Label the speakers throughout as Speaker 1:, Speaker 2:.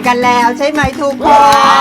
Speaker 1: กันแล้วใช่ไหมทุกคน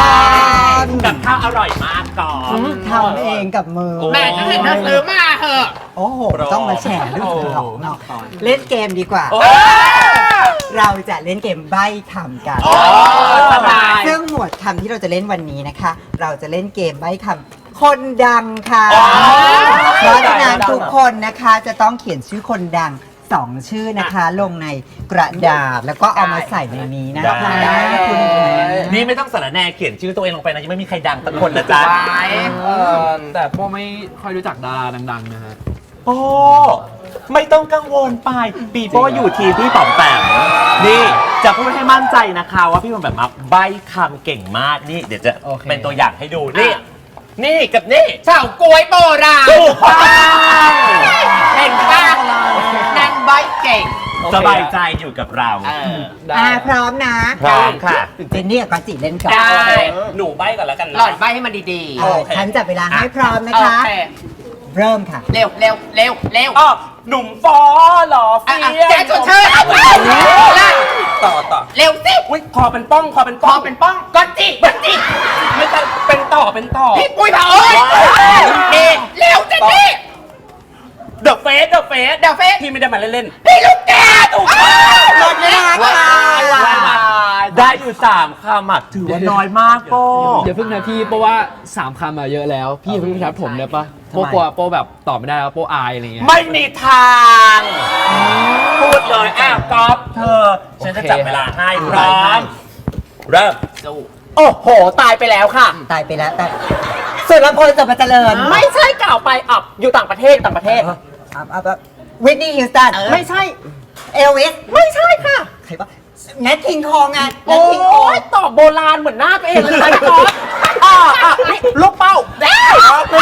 Speaker 2: กับข้าวอร่อยมากก่อน
Speaker 1: ทำเองกับมือ
Speaker 3: แม่ฉันเห็นเธอซื้อมาเหอะ
Speaker 1: โอ้โหต้องมาแชร์ด้วยหรอกเนาะเล่นเกมดีกว่า เราจะเล่นเกมใบ้คำกันซึ่งหมวดคำที่เราจะเล่นวันนี้นะคะ เราจะเล่นเกมใบ้คำคนดังค่ะเพราะฉะนั้นทุกคนนะคะจะต้องเขียนชื่อคนดัง2 ชื่อนะคะลงในกระดาษแล้วก็เอามาใส่ในนี้นะคะคุณ
Speaker 2: นี่ไม่ต้องสารแนเขียนชื่อตัวเองลงไปนะยังไม่มีใครดังสักคนนะจ๊ะ
Speaker 4: แต่โป้ไม่ค่อยรู้จักดาราดังๆนะฮะ
Speaker 2: โป้ไม่ต้องกังวลไปปีโป้อยู่ทีมพี่ป๋อมแปมนี่จะพูดให้มั่นใจนะคะว่าพี่ป๋อมแปมใบ้คำเก่งมากนี่เดี๋ยวจะเป็นตัวอย่างให้ดูนี่กับนี่
Speaker 3: เฉาก๊วยโบราณ
Speaker 2: ถูกต้อง
Speaker 3: เห็นป่ะนางใบเก่ง
Speaker 2: สบายใจอยู่กับเรา
Speaker 1: พร้อมนะ
Speaker 2: พร้อมค่ะ
Speaker 1: เจนนี่กับกอตจิเล่นก่อน
Speaker 3: ได้
Speaker 2: หนูใบ้ก่อนแล้วกัน
Speaker 3: หลอดใบให้มันดี
Speaker 1: ฉันจับเวลาให้พร้อมนะ
Speaker 3: โอ
Speaker 1: คะ
Speaker 3: เค
Speaker 1: เริ่มค่ะ
Speaker 3: เร็วเร็วเร็วเร็ว
Speaker 2: อ๋อหนุ่มฟอหรอเฟีย
Speaker 3: แจ๊สชวนชื่น
Speaker 2: ต่อ
Speaker 3: เร็วสิ
Speaker 2: อุ้ยคอเป็นป้องคอเป็น
Speaker 3: พ
Speaker 2: ป้
Speaker 3: อ
Speaker 2: อง
Speaker 3: เป็นป้องก้อนจิก้อนจิ
Speaker 2: ไม่ต้องเป็นต่อ
Speaker 3: พี่ปุ้ยเผาเอ้ยเร็วเจนนี่
Speaker 2: เดอะเฟส
Speaker 3: เดี๋ยวเฟส
Speaker 2: พี่ไม่ได้มาเล่น
Speaker 3: พี่ลูกแกถูกต้อง
Speaker 1: หมดเวลาค่ะ
Speaker 2: ได้อยู่3 คำอ่ะถือว่าน้อยมากโป้
Speaker 4: อย่าเพิ่งนะพี่เพราะว่า3 คำมาเยอะแล้ว พี่อย่าเพิ่งทับผมได้ปะโป้กลัวโป้แบบตอบไม่ได้แล้วโป้อายอะไรเงี้ย
Speaker 2: ไม่มีทางพูดเลยก๊อฟเธอฉันจะจับเวลาให้พร้อมเริ่ม
Speaker 3: โอ้โหตายไปแล้วค่ะ
Speaker 1: ตายไปแล้วแต่สุดลำพลสุภเจริญ
Speaker 3: ไม่ใช่กล่าวไปอยู่ต่างประเทศ
Speaker 1: วิทนี่ฮิวสตัน
Speaker 3: ไม่ใช่
Speaker 1: เอลวิส
Speaker 3: ไม่ใช่ค่ะ
Speaker 1: ใครวะแนทคิงคองไงแน
Speaker 3: โอ้
Speaker 1: ทคิงคอง
Speaker 3: ยตอบโบราณเหมือนหน้าตัวเองเลยค่ะพี่ก๊อฟนี่ลูกเป้าแล้ว
Speaker 2: หมด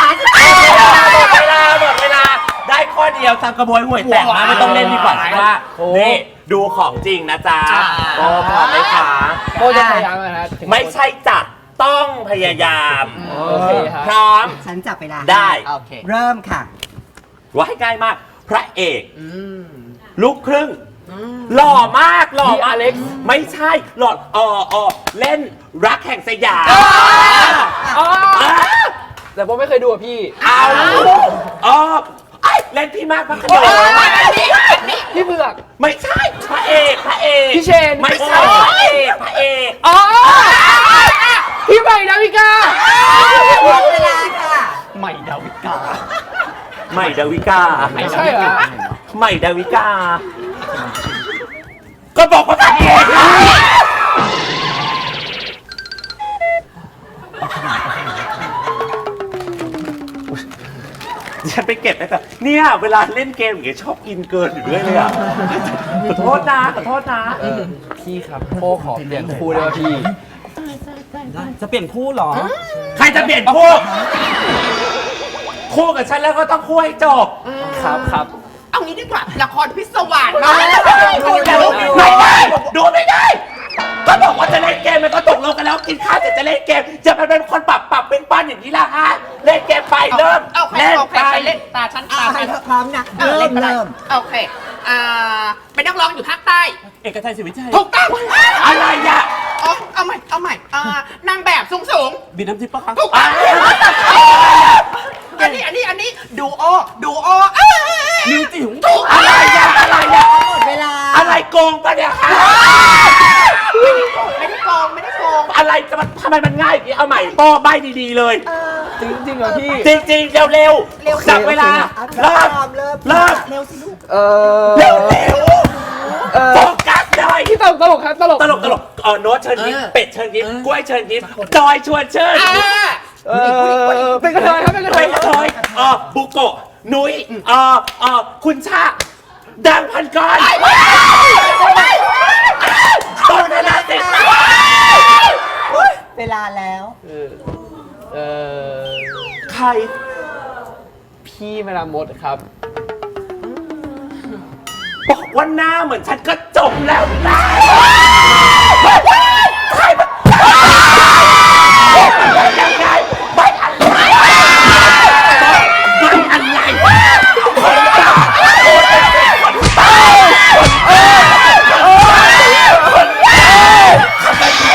Speaker 2: เวลาได้ข้อเดียวทำกระบวยห่วยแตกมาไม่ต้องเล่นดีกว่าใช่ไหมนี่ดูของจริงนะจ๊ะโอ้พร้อมไหมคะ
Speaker 4: โป้จะพยายามนะฮะ
Speaker 2: ไม่ใช่จัดต้องพยายาม
Speaker 4: โอเคครับ
Speaker 2: พร้อม
Speaker 1: ฉันจับเวลา
Speaker 2: ได้
Speaker 3: โอเค
Speaker 1: เริ่มค่ะ
Speaker 2: ว่าให้ง่ายมาก พระเอกลูกครึ่งหล่อมากอเล็กซ์ไม่ใช่หล่อเล่นรักแห่งสยาม
Speaker 4: แต่โป้ไม่เคยดูอ่ะพี่
Speaker 2: เล่นพี่มากพระขนง
Speaker 4: พี่เผือก
Speaker 2: ไม่ใช่พระเอก
Speaker 4: พี่เชน
Speaker 2: ไม่ใช่พระเอก
Speaker 4: อ๋อพี่ใหม่ดาวิกา
Speaker 1: หมดเวลาค่ะ
Speaker 2: ใหม่ดาวิกาใหม่ดาวิกา
Speaker 4: ไม่ใช่เหรอ
Speaker 2: ใหม่ดาวิกา ก็บอกว่าพระเอกฉันไปเก็บได้แต่เนี่ยเวลาเล่นเกมอย่างเงี้ยชอบกินเกินอยู่ด้วยเลยอ่ะขอโทษนะ
Speaker 4: พี่ครับโป้ขอเปลี่ยนคู่ได้ป่ะพี่
Speaker 1: จะเปลี่ยนคู่เหรอ
Speaker 2: ใครจะเปลี่ยนคู่คู่กับฉันแล้วก็ต้องคู่ให้จบ
Speaker 4: ครับ
Speaker 3: เอางี้ดีกว่าละครพิศวาสมา
Speaker 2: ไม่ได้ก็บอกว่าจะเล่นเกมมันก็ตกลงกันแล้วกินข้าวเสร็จจะเล่นเกมจะเป็นคนปรับเป็นปั้นอย่างนี้ละฮะเล่นเกมไปเริ่ม
Speaker 3: เล่น
Speaker 2: เล่น
Speaker 3: ไป
Speaker 2: ไป
Speaker 3: เล่นตาฉัน
Speaker 1: ให้เธอพร้อมนะ
Speaker 3: เล่นไปเลย
Speaker 1: เริ่ม
Speaker 3: โอเคเป็นนักร้องอยู่ภาคใต้
Speaker 2: เอกชัยศรีวิชัย
Speaker 3: ถูกต้อง
Speaker 2: อะไรอ่ะ
Speaker 3: เอาใหม่นางแบบสูง
Speaker 2: บินน้ำทิพย์ปะคะ
Speaker 3: ถูกต้องอันนี้ดูโอ
Speaker 2: นิวจิ๋วถูกอะไรอ่ะ
Speaker 1: หมดเวลา
Speaker 2: อะไรโกงปะเนี่ยฮะ
Speaker 3: ไม่ได้โกง
Speaker 2: อะไรจะมันทำไมมันง่ายอย่างนี้เอาใหม่ป้อใบดีๆเลย
Speaker 4: จริงเหรอพี่
Speaker 2: จริงๆเร็วๆจับเวลาเริ่ม
Speaker 1: เริ่ม
Speaker 2: เริ่ม
Speaker 1: เร็วสิลูก
Speaker 2: เร็วโฟกัสหน่อย
Speaker 4: พี่ตลกครับตลก
Speaker 2: โน้ตเชิญยิ้มเป็ดเชิญยิ้มกล้วยเชิญยิ้มจอยชวนเชิญ
Speaker 4: เป็นกระเทยครับเป็นกระเท
Speaker 2: เป็
Speaker 4: ย
Speaker 2: นกระเทยบุโกะนุ้ยคุณชาดังพันกรต้นเวลาเสร็จ
Speaker 1: เวลาแล้ว
Speaker 2: ใคร
Speaker 4: พี่เวลามดครับ
Speaker 2: บอกว่าหน้าเหมือนฉันก็จบแล้วนะใครมันยังไงไม่อะไรคน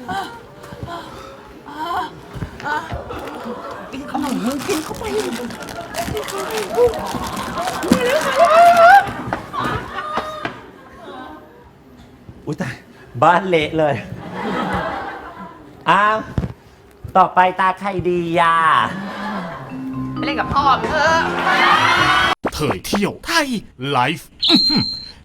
Speaker 2: อุ้ยตายบ้านเละเลย อ้าว ต่อไปตาใครดีย่า
Speaker 3: ไปเล่นกับพ่อมึงเถอะ
Speaker 5: เผยเที่ยวไทยไลฟ์